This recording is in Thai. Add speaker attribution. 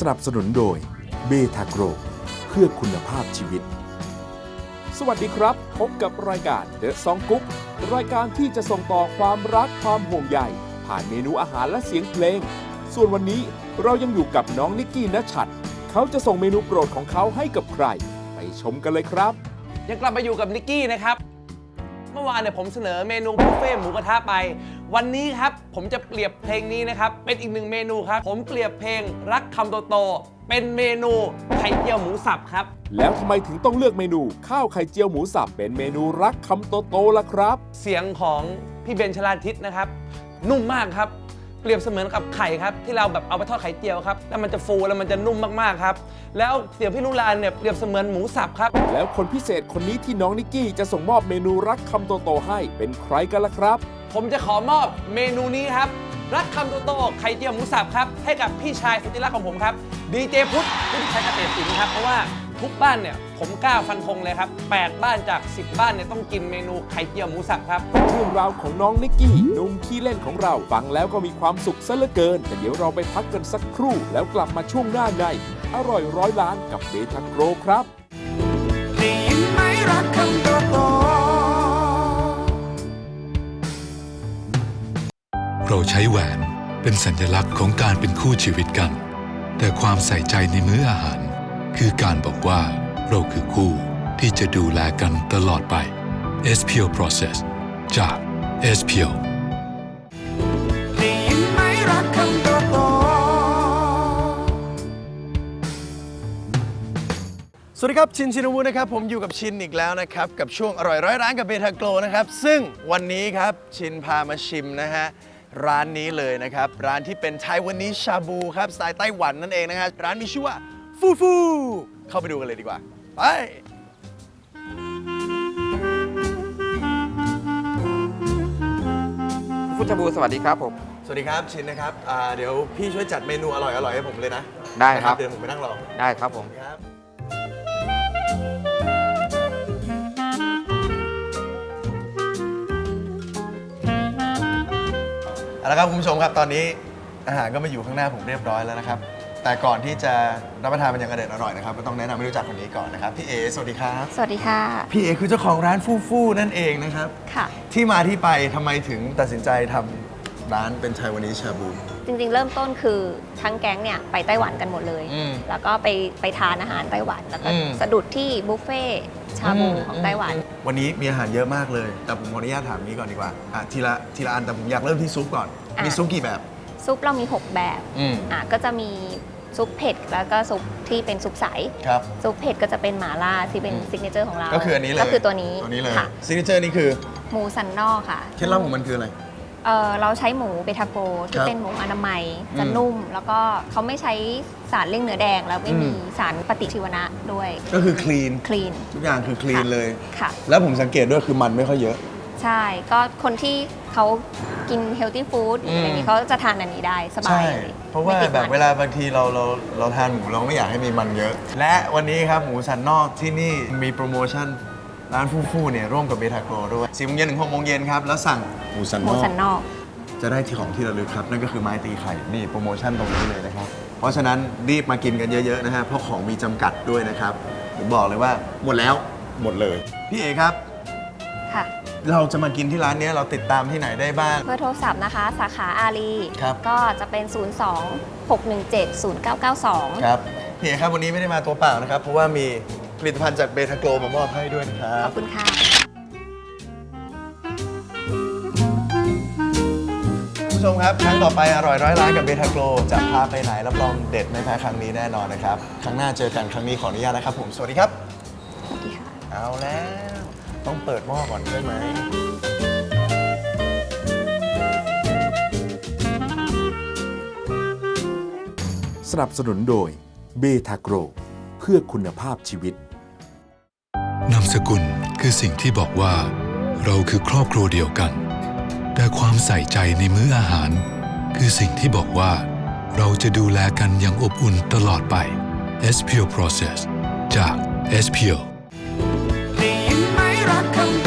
Speaker 1: นับสนุนโดยเบทาโกรเพื่อคุณภาพชีวิตสวัสดีครับพบกับรายการเดอะซองกุ๊กรายการที่จะส่งต่อความรักความห่วงใยผ่านเมนูอาหารและเสียงเพลงส่วนวันนี้เรายังอยู่กับน้องนิกกี้ณชัดเขาจะส่งเมนูโปรดของเขาให้กับใครไปชมกันเลยครับ
Speaker 2: ยังกลับมาอยู่กับนิกกี้นะครับเมื่อวานเนี่ยผมเสนอเมนูบุฟเฟ่หมูกระทะไปวันนี้ครับผมจะเปรียบเพลงนี้นะครับเป็นอีกหนึ่งเมนูครับผมเปรียบเพลงรักคำโตๆเป็นเมนูไข่เจียวหมูสับครับ
Speaker 1: แล้วทำไมถึงต้องเลือกเมนูข้าวไข่เจียวหมูสับเป็นเมนูรักคำโตๆล่ะครับ
Speaker 2: เสียงของพี่เบนชลาทิศนะครับนุ่มมากครับเปรียบเสมือนกับไข่ครับที่เราแบบเอาไปทอดไข่เจียวครับแล้วมันจะฟูแล้วมันจะนุ่มมากๆครับแล้วเสียงพี่ลุลานเนี่ยเปรียบเสมือนหมูสับครับ
Speaker 1: แล้วคนพิเศษคนนี้ที่น้องนิกกี้จะส่งมอบเมนูรักคำโตๆให้เป็นใครกันล่ะครับ
Speaker 2: ผมจะขอมอบเมนูนี้ครับรักคำโตๆไข่เจียวหมูสับครับให้กับพี่ชายสุดที่รักของผมครับดีเจพุทธผู้ที่ใช้เกษตรศิลป์ครับเพราะว่าทุกบ้านเนี่ยผมกล้าฟันธงเลยครับ8บ้านจาก10บ้านเนี่ยต้องกินเมนูไข่เจียวหมูสับครับ
Speaker 1: เรื่องราวของน้องนิกกี้หนุ่มขี้เล่นของเราฟังแล้วก็มีความสุขซะเหลือเกินแต่เดี๋ยวเราไปพักกันสักครู่แล้วกลับมาช่วงหน้าในอร่อยร้อยล้านกับเบทาโกรครับ
Speaker 3: ได้ยินไหมรักคำโต
Speaker 4: เราใช้แหวนเป็นสัญลักษณ์ของการเป็นคู่ชีวิตกันแต่ความใส่ใจในมื้ออาหารคือการบอกว่าเราคือคู่ที่จะดูแลกันตลอดไป SPO Process จาก SPO
Speaker 3: ได้ยินไหมรักคำโตสวัสดีครับชินชินวุฒินะครับผมอยู่กับชินอีกแล้วนะครับกับช่วงอร่อยร้อยร้านกับเบทาโกรนะครับซึ่งวันนี้ครับชินพามาชิมนะฮะร้านนี้เลยนะครับร้านที่เป็นไทวันนี้ชาบูครับสไตล์ไต้หวันนั่นเองนะฮะร้านมีชื่อว่าฟูฟูเข้าไปดูกันเลยดีกว่าไป
Speaker 5: ฟูชาบูสวัสดีครับผม
Speaker 3: สวัสดีครับชินนะครับเดี๋ยวพี่ช่วยจัดเมนูอร่อยให้ผมเลยนะ
Speaker 5: ได้ครับ
Speaker 3: เดี๋ยวผมไปนั่งรอ
Speaker 5: ได้ครับผม
Speaker 3: ครับเอาละครับคุณผู้ชมครับตอนนี้อาหารก็มาอยู่ข้างหน้าผมเรียบร้อยแล้วนะครับแต่ก่อนที่จะรับประทานมันอย่างอร่อยนะครับก็ต้องแนะนำให้รู้จักคนนี้ก่อนนะครับพี่เอสวัสดีครับ
Speaker 6: สวัสดีค่ะ
Speaker 3: พี่เอคือเจ้าของร้านฟูฟูนั่นเองนะครับ
Speaker 6: ค่ะ
Speaker 3: ที่มาที่ไปทำไมถึงตัดสินใจทำร้านเป็นไทวันนี้ชาบู
Speaker 6: จริงๆเริ่มต้นคือทั้งแก๊งเนี่ยไปไต้หวันกันหมดเลยแล้วก็ไปทานอาหารไต้หวันแล้วก็สะดุดที่บุฟเฟ่ชาบูของไต้หวัน
Speaker 3: วันนี้มีอาหารเยอะมากเลยแต่ผมขออนุญาตถามนี้ก่อนดีกว่าทีละอันแต่ผมอยากเริ่มที่ซุปก่อนมีซุปกี่แบบ
Speaker 6: ซุปเรามี6แบบก็จะมีซุปเผ็ดแล้วก็ซุปที่เป็นซุปใสซุปเผ็ดก็จะเป็นหม่าล่าที่เป็นซิกเนเจอร์ของเรา
Speaker 3: ก็คืออันนี้เลย
Speaker 6: ก็คือตัวนี้
Speaker 3: เลยซิกเนเจอร์นี่คือ
Speaker 6: หมูสันนอกค่ะ
Speaker 3: เคล็ดลับของมันคืออะไร
Speaker 6: เราใช้หมูเบทาโกที่เป็นหมูอนามัยจะนุ่มแล้วก็เขาไม่ใช้สารเลี่ยงเนื้อแดงแล้วไม่มีสารปฏิชีวนะด้วย
Speaker 3: ก็คือคลีนทุกอย่างคือคลีนเลย
Speaker 6: ค่ะ
Speaker 3: แล้วผมสังเกตด้วยคือมันไม่ค่อยเยอะ
Speaker 6: ใช่ก็คนที่เขากินเฮลตี้ฟู้ดอะไรนี้เขาจะทานอันนี้ได้สบายเลย
Speaker 3: เพราะว่าแบบเวลาบางทีเราทานหมูเราไม่อยากให้มีมันเยอะและวันนี้ครับหมูสันนอกที่นี่มีโปรโมชั่นร้านฟูเนี่ยร่วมกับเบทาโกรด้วย4 โมงเย็นถึง 6 โมงเย็นครับแล้วสั่งหมูสันนอกจะได้ของที่ระลึกครับนั่นก็คือไม้ตีไข่นี่โปรโมชั่นตรงนี้เลยนะครับเพราะฉะนั้นรีบมากินกันเยอะๆนะฮะเพราะของมีจำกัดด้วยนะครับผมบอกเลยว่าหมดแล้วหมดเลยพี่เอครับ
Speaker 6: ค่ะ
Speaker 3: เราจะมากินที่ร้านนี้เราติดตามที่ไหนได้บ้าง
Speaker 6: เบอร์โทรศัพท์นะคะสาขาอารีก็จะเป็น 02-617-0992
Speaker 3: ครับพี่เอครับวันนี้ไม่ได้มาตัวเปล่านะครับเพราะว่ามีผลิตภัณฑ์จากเบทาโกรมามอบให้ด้วยนะครับ
Speaker 6: ขอบคุณค่ะ
Speaker 3: ผู้ชมครับครั้งต่อไปอร่อยร้อยล้านกับเบทาโกรจะพาไปไหนรับรองเด็ดไม่แพ้ครั้งนี้แน่นอนนะครับครั้งหน้าเจอกันครั้งนี้ขออนุญาตนะครับผมสวัสดีครับ
Speaker 6: สวัสดีค่ะ
Speaker 3: เอาแล้วต้องเปิดหม้อก่อนใช่ไหม
Speaker 1: สนับสนุนโดยเบทาโกรเพื่อคุณภาพชีวิต
Speaker 4: นามสกุลคือสิ่งที่บอกว่าเราคือครอบครัวเดียวกันแต่ความใส่ใจในมื้ออาหารคือสิ่งที่บอกว่าเราจะดูแลกันอย่างอบอุ่นตลอดไป SPO Process จาก SPO
Speaker 3: ได้ยินไหมรักคำ